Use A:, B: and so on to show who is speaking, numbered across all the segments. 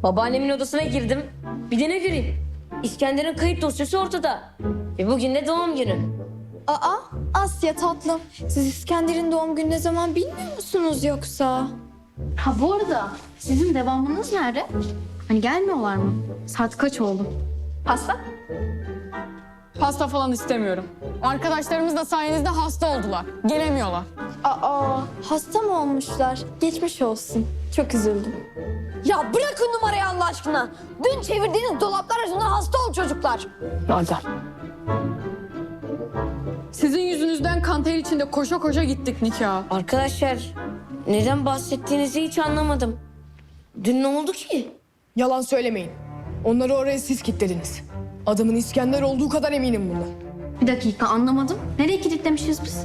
A: Babaannemin odasına girdim. Bir de ne göreyim? İskender'in kayıt dosyası ortada. Bugün de doğum günü.
B: Aa, Asya tatlım. Siz İskender'in doğum günü ne zaman bilmiyor musunuz yoksa?
C: Ha bu arada sizin devamınız nerede? Hani gelmiyorlar mı? Saat kaç oldu?
B: Pasta?
D: Pasta falan istemiyorum. Arkadaşlarımız da sayenizde hasta oldular. Gelemiyorlar.
B: Aa, hasta mı olmuşlar? Geçmiş olsun. Çok üzüldüm.
A: Ya bırakın numarayı Allah aşkına. Dün çevirdiğiniz dolaplar arasında hasta ol çocuklar.
D: Hadi. Sizin yüzünüzden kanter içinde koşa koşa gittik nikaha.
A: Arkadaşlar neden bahsettiğinizi hiç anlamadım. Dün ne oldu ki?
E: Yalan söylemeyin. Onları oraya siz kilitlediniz. Adamın İskender olduğu kadar eminim bundan.
C: Bir dakika anlamadım. Nereye kilitlemişiz biz?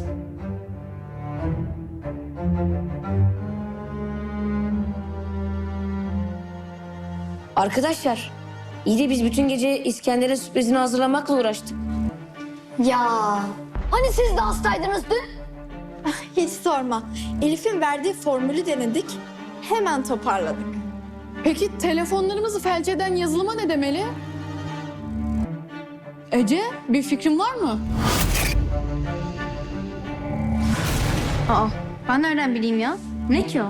A: Arkadaşlar iyi de biz bütün gece İskender'in sürprizini hazırlamakla uğraştık.
B: Ya,
A: Hani siz de hastaydınız dün?
B: hiç sorma. Elif'in verdiği formülü denedik. Hemen toparladık.
D: Peki telefonlarımızı felç eden yazılıma ne demeli? Ece, bir fikrin var mı?
C: Aa, ben nereden bileyim ya? Ne ki o?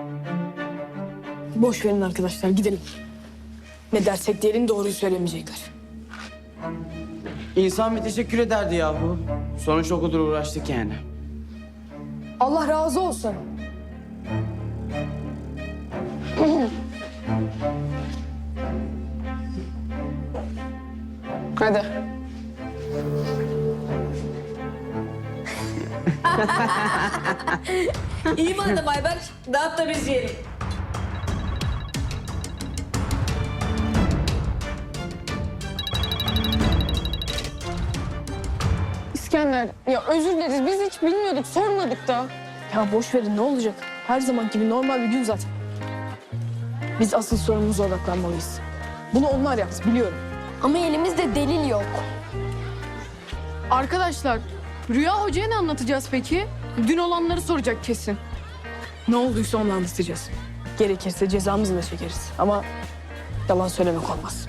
E: Boş verin arkadaşlar, gidelim. Ne dersek diyelim doğruyu söylemeyecekler.
F: İnsan bir teşekkür ederdi yahu. Sonuçta o kadar uğraştık yani.
E: Allah razı olsun.
D: Hadi.
A: İyi madem Ayberk. Dağıt da biz yiyelim.
D: İskender, ya özür dileriz. Biz hiç bilmiyorduk, sormadık da.
E: Ya boş verin, ne olacak? Her zaman gibi normal bir gün zaten. Biz asıl sorunumuza odaklanmalıyız. Bunu onlar yaptı, biliyorum.
B: Ama elimizde delil yok.
D: Arkadaşlar, Rüya Hoca'ya ne anlatacağız peki? Dün olanları soracak kesin.
E: Ne olduysa onu anlatacağız. Gerekirse cezamızı da çekeriz. Ama yalan söylemek olmaz.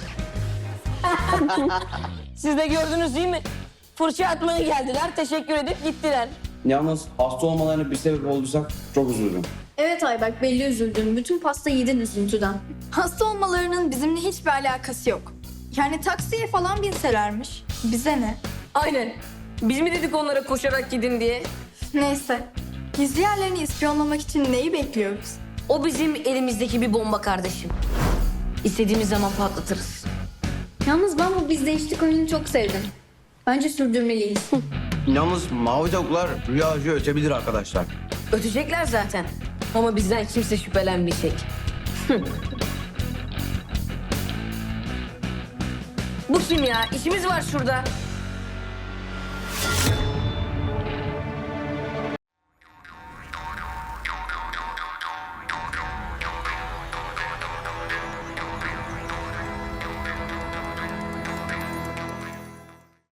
A: Siz de gördünüz değil mi? Fırça atmaya geldiler, teşekkür edip gittiler.
F: Yalnız hasta olmalarına bir sebep olduysak çok üzüldüm.
C: Evet Ayberk belli üzüldüm. Bütün pasta yedin üzüntüden.
B: Hasta olmalarının bizimle hiçbir alakası yok. Yani taksiye falan binselermiş. Bize ne?
A: Aynen. Biz mi dedik onlara koşarak gidin diye?
B: Neyse. Gizli yerlerini ispiyonlamak için neyi bekliyoruz?
A: O bizim elimizdeki bir bomba kardeşim. İstediğimiz zaman patlatırız.
C: Yalnız ben bu biz değiştik oyununu çok sevdim. Bence sürdürmeliyiz.
F: Yalnız mavi tavuklar Rüya Hoca ötebilir arkadaşlar.
A: Ötecekler zaten. Ama bizden kimse şüphelenmeyecek. Bu kim ya? İşimiz var şurada.